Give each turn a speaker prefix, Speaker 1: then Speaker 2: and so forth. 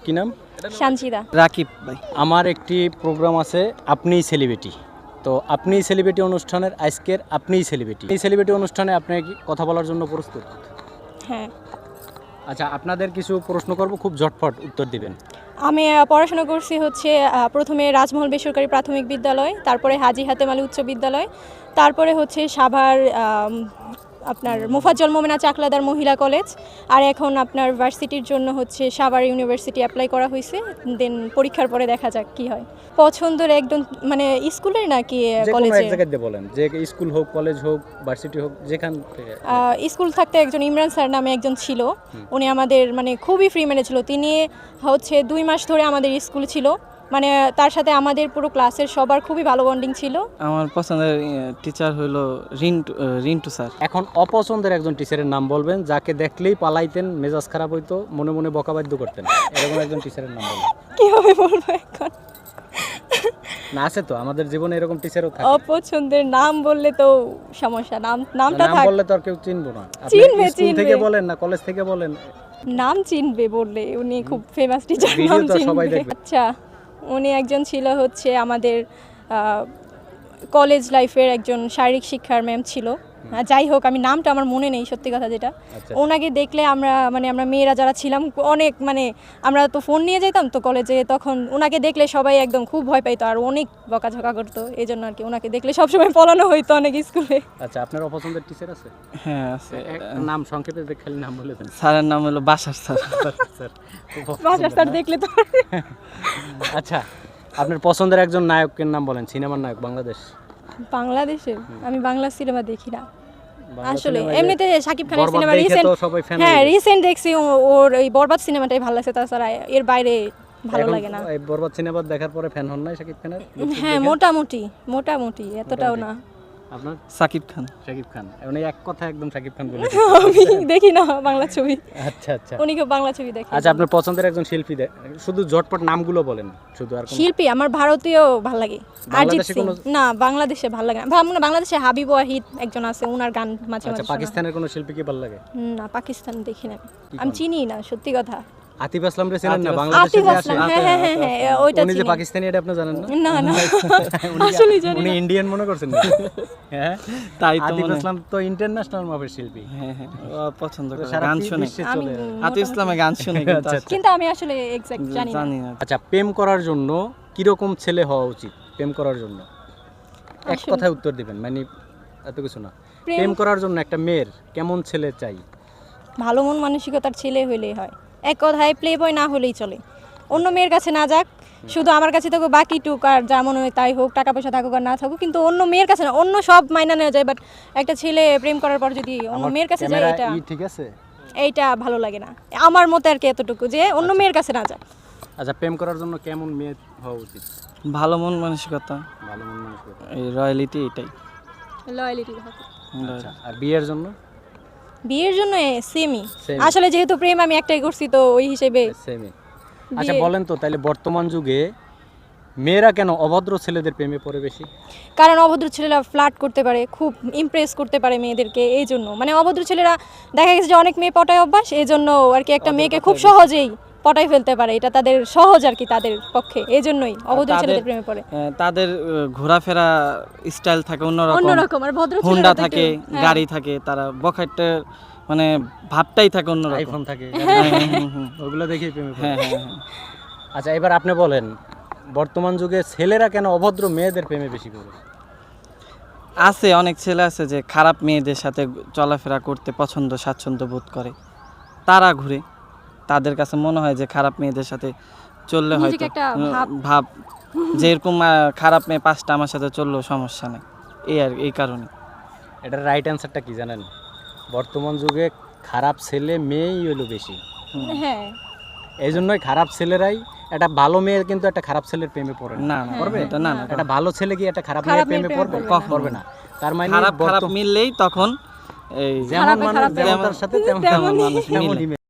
Speaker 1: কি নাম?
Speaker 2: সানজিদা।
Speaker 3: রাকিব ভাই।
Speaker 1: আমার একটি প্রোগ্রাম আছে আপনিই সেলিব্রিটি। তো আপনিই সেলিব্রিটি অনুষ্ঠানের আজকের আপনিই সেলিব্রিটি। এই সেলিব্রিটি অনুষ্ঠানে আপনি কি কথা বলার জন্য প্রস্তুত?
Speaker 2: হ্যাঁ,
Speaker 1: আচ্ছা, আপনাদের কিছু প্রশ্ন করব, খুব ঝটফট উত্তর দিবেন।
Speaker 2: আমি পড়াশোনা করছি হচ্ছে প্রথমে রাজমহল বেসরকারি প্রাথমিক বিদ্যালয়, তারপরে হাজী হাতেম আলী উচ্চ বিদ্যালয়, তারপরে হচ্ছে সাভার আপনার মোফাজ্জল মোমেনা চাকলাদার মহিলা কলেজ, আর এখন আপনার ভার্সিটির জন্য হচ্ছে সাভার ইউনিভার্সিটি অ্যাপ্লাই করা হয়েছে। দেন পরীক্ষার পরে দেখা যাক কি হয়। পছন্দের একদম মানে স্কুলের নাকি
Speaker 1: যে কোনো
Speaker 2: কলেজে?
Speaker 1: এক জায়গায় দিয়ে বলেন, যে স্কুল হোক, কলেজ হোক, ভার্সিটি হোক, যেখান থেকে।
Speaker 2: স্কুল থাকতে একজন ইমরান স্যার নামে একজন ছিল, উনি আমাদের মানে খুবই ফ্রি মেনে ছিল। তিনি হচ্ছে 2 মাস ধরে আমাদের স্কুল ছিল, মানে তার সাথে আমাদের পুরো ক্লাসের সবার খুবই ভালো বন্ডিং ছিল।
Speaker 3: আমার পছন্দের টিচার হলো রিন্টু স্যার।
Speaker 1: এখন অপছন্দের একজন টিচারের নাম বলবেন, যাকে দেখলেই পালাইতেন, মেজাজ খারাপ হইতো, মনে মনে বকাবাদ্য করতেন, এরকম একজন টিচারের নাম বলবেন।
Speaker 2: কিভাবে বলবো এখন?
Speaker 1: না, আছে তো আমাদের জীবনে এরকম টিচারও থাকে।
Speaker 2: অপছন্দের নাম বললে তো সমস্যা, নামটা
Speaker 1: নাম
Speaker 2: থাক।
Speaker 1: বললে তো আর কেউ চিনবো না। আপনি
Speaker 2: চিনবে,
Speaker 1: স্কুল থেকে
Speaker 2: চিনবে।
Speaker 1: বলেন না কলেজ থেকে বলেন,
Speaker 2: নাম চিনবে বললে, উনি খুব ফেমাস টিচার,
Speaker 1: ভিডিও
Speaker 2: নাম
Speaker 1: তো সবাই
Speaker 2: চিনবে।
Speaker 1: দেখবে।
Speaker 2: আচ্ছা, উনি একজন ছিল হচ্ছে আমাদের কলেজ লাইফের একজন শারীরিক শিক্ষার ম্যাম ছিল। যাই হোক, আমি নামটা আমার মনে নেই সত্যি কথা যেটা।
Speaker 1: আচ্ছা।
Speaker 2: ওনাকে দেখলে আমরা মেয়েরা যারা ছিলাম অনেক আমরা তো ফোন নিয়ে যেতাম তো কলেজে, তখন ওনাকে দেখলে সবাই একদম খুব ভয় পাইতো আর অনেক বকাঝকা করতো। এই জন্য আর কি ওনাকে দেখলে সবসময় পলানো হইতো অনেক স্কুলে।
Speaker 1: আচ্ছা, আপনার অপছন্দের টিচার আছে?
Speaker 3: হ্যাঁ আছে।
Speaker 1: নাম সংক্ষেপে খালি নাম বলে দেন।
Speaker 3: স্যারের নাম হলো বাসার স্যার।
Speaker 1: স্যার,
Speaker 2: বাসার স্যার দেখলে তো।
Speaker 1: আচ্ছা, আপনার পছন্দের একজন নায়কের নাম বলেন, সিনেমার নায়ক বাংলাদেশ।
Speaker 2: বাংলাদেশের আমি বাংলা সিনেমা দেখি না
Speaker 1: বাংলা
Speaker 2: আসলে।
Speaker 1: সিনেমায়
Speaker 2: এমনিতে শাকিব খানের
Speaker 1: বরবাদ
Speaker 2: সিনেমা
Speaker 1: দেখে
Speaker 2: রিসেন্ট,
Speaker 1: তো সবাই fan
Speaker 2: হ্যাঁ
Speaker 1: হয়ে গেছে।
Speaker 2: রিসেন্ট দেখছি, ওর ওই বরবাদ সিনেমাটাই ভালো লাগছে, তাছাড়া এর বাইরে ভালো
Speaker 1: এখন
Speaker 2: লাগে না।
Speaker 1: এই বরবাদ সিনেমা দেখার পরে ফ্যান হন নাই শাকিব খানের?
Speaker 2: হ্যাঁ, মোটামুটি এতটাও না।
Speaker 1: আপনার?
Speaker 3: সাকিব খান।
Speaker 1: শাকিব খান, এখন এই এক কথা একদম শাকিব খান বলে।
Speaker 2: আমি দেখি না বাংলা ছবি,
Speaker 1: আচ্ছা আচ্ছা
Speaker 2: উনি কেউ বাংলা ছবি দেখে।
Speaker 1: আচ্ছা, আপনার পছন্দের একজন শিল্পী শুধু ঝটপট নামগুলো বলেন, শুধু আর কোনো।
Speaker 2: শিল্পী আমার ভারতীয় ভালো লাগে, অরিজিৎ
Speaker 1: বাংলাদেশে
Speaker 2: সিং।
Speaker 1: কোনো-
Speaker 2: না, বাংলাদেশে ভালো লাগে না। বাংলাদেশে হাবিব ওয়াহিদ একজন আছে, ওনার গান মাঝে
Speaker 1: আচ্ছা,
Speaker 2: মাঝে শোনা।
Speaker 1: পাকিস্তানের কোনো শিল্পী কি ভালো লাগে?
Speaker 2: না, পাকিস্তান দেখি না আমি
Speaker 1: কোন?
Speaker 2: চিনি না সত্যি কথা।
Speaker 1: আতিফ আসলাম রে চেনেন না?
Speaker 3: আতিফ
Speaker 1: বাংলাদেশে
Speaker 2: আতিফ
Speaker 1: যে
Speaker 2: আসলাম,
Speaker 1: আসে,
Speaker 2: হ্যাঁ, ওইটা
Speaker 1: উনি যে
Speaker 2: চিনি।
Speaker 1: পাকিস্তানি, এটা আপনি জানেন না?
Speaker 2: না না,
Speaker 1: উনি কি-
Speaker 2: আসলেই জানি
Speaker 1: উনি
Speaker 2: না।
Speaker 1: ইন্ডিয়ান মনে করছেন না? হ্যাঁ,
Speaker 3: তাই তো
Speaker 1: আতিফ
Speaker 3: মনে।
Speaker 1: আসলাম তো ইন্টারন্যাশনাল মাপের শিল্পী।
Speaker 3: হ্যাঁ হ্যাঁ, ও পছন্দ করে
Speaker 1: সারা
Speaker 3: গান শুনে।
Speaker 1: বিশ্বে
Speaker 2: আমি
Speaker 1: চলে যায়।
Speaker 3: আতিফ ইসলামে গান শুনে কিন্তু
Speaker 1: আচ্ছা,
Speaker 3: আসলে
Speaker 2: কিন্তু আমি আসলে এক্সাক্ট জানি না।
Speaker 3: জানি না।
Speaker 1: আচ্ছা, প্রেম করার জন্য কিরকম ছেলে হওয়া উচিত? প্রেম করার জন্য এক
Speaker 2: আসলে-
Speaker 1: কথায় উত্তর দিবেন, মানে এত কিছু না। প্রেম করার জন্য একটা মেয়ের কেমন ছেলে চাই?
Speaker 2: ভালো মন মানসিকতার ছেলে হলেই হয়। এক কথায় প্লে বয় না হলেই চলে, অন্য মেয়ের কাছে না যাক, শুধু আমার কাছে থাকুক, বাকি টুক আর যা মনে হয় তাই হোক, টাকা পয়সা থাকুক আর না থাকুক, কিন্তু অন্য মেয়ের কাছে না। অন্য সব মাইনা নেওয়া যায়, বাট একটা ছেলে প্রেম করার পর যদি অন্য
Speaker 1: আমার
Speaker 2: মেয়ের কাছে যায়,
Speaker 1: ক্যামেরা
Speaker 2: এটা
Speaker 1: ঠিক আছে?
Speaker 2: এইটা ভালো লাগে না আমার মতে আর কি, এতটুকু যে অন্য মেয়ের কাছে না যায়।
Speaker 1: আচ্ছা, প্রেম করার জন্য কেমন মেয়ে হওয়া উচিত?
Speaker 3: ভালো মন মানসিকতা,
Speaker 1: ভালো মন মানসিকতা।
Speaker 3: এই রয়্যালিটি এটাই।
Speaker 2: লয়ালিটি।
Speaker 1: আচ্ছা, আর বিয়ের জন্য?
Speaker 2: বিয়ের জন্য সেমই
Speaker 1: Same.
Speaker 2: আসলে, যেহেতু প্রেম আমি একটাই করছি তো ওই হিসেবে।
Speaker 1: সেমই। আচ্ছা, বলেন তো তাহলে বর্তমান যুগে মেয়েরা কেন অভদ্র ছেলেদের প্রেমে পড়ে বেশি?
Speaker 2: কারণ অভদ্র ছেলেরা ফ্লার্ট করতে পারে, খুব ইমপ্রেস করতে পারে মেয়েদেরকে, এই জন্য অভদ্র ছেলেরা দেখা গেছে যে অনেক মেয়ে পটায় অভ্যাস, এই জন্য আর কি একটা মেয়েকে খুব সহজেই পটাই ফেলতে পারে, এটা তাদের সহজ আর কি তাদের পক্ষে, এই জন্যই অভদ্র
Speaker 3: তাদের-
Speaker 2: ছেলেদের প্রেমে পড়ে।
Speaker 3: তাদের ঘোরাফেরা স্টাইল থাকে অন্যরকম,
Speaker 2: অন্যরকম, আর ভদ্র
Speaker 3: হুন্ডা
Speaker 2: ছেলেরা তো
Speaker 3: থাকে,
Speaker 2: একটু- হ্যাঁ।
Speaker 3: গাড়ি থাকে, তারা বখাটের মানে ভাবটাই থাকে অন্যরকম।
Speaker 1: আইফোন থাকে,
Speaker 3: হুম।
Speaker 1: ওগুলো দেখেই প্রেমে পড়ে।
Speaker 3: হ্যাঁ হ্যাঁ হ্যাঁ।
Speaker 1: আচ্ছা, এবার আপনি বলেন বর্তমান যুগে ছেলেরা কেন অভদ্র মেয়েদের প্রেমে বেশি পড়ে?
Speaker 3: আছে অনেক ছেলে আছে যে খারাপ মেয়েদের সাথে চলাফেরা করতে পছন্দ, স্বাচ্ছন্দ্য বোধ করে, তারা ঘুরে। তাদের কাছে মনে হয় যে খারাপ মেয়েদের সাথে চললে
Speaker 2: নিজেকে
Speaker 3: হয়তো
Speaker 2: একটা
Speaker 3: ভাব যে এরকম খারাপ মেয়ে 5টা আমার সাথে চললেও সমস্যা নেই, এই কারণে।
Speaker 1: এটার রাইট অ্যান্সারটা কি জানেন? বর্তমান যুগে খারাপ ছেলে মেয়েই হলো বেশি,
Speaker 2: হ্যাঁ,
Speaker 1: এই জন্যই খারাপ ছেলেরাই, একটা ভালো মেয়ে কিন্তু একটা খারাপ ছেলের প্রেমে পড়ে না।
Speaker 3: না না
Speaker 1: করবে?
Speaker 3: এটা না না,
Speaker 1: একটা ভালো ছেলে কি একটা খারাপ
Speaker 2: খারাপ
Speaker 1: মেয়ের
Speaker 2: মেয়ের
Speaker 1: প্রেমে
Speaker 2: প্রেমে
Speaker 1: পড়বে?
Speaker 2: পড়বে না।
Speaker 1: পড়বে না। তার মানে
Speaker 3: খারাপ মিললেই তখন এই
Speaker 1: যেমন
Speaker 2: খারাপে
Speaker 1: মানুষ
Speaker 2: খারাপ
Speaker 1: যেমন তার সাথে তেমন
Speaker 2: তেমনই।
Speaker 1: মানুষ তেমনই মেয়ে।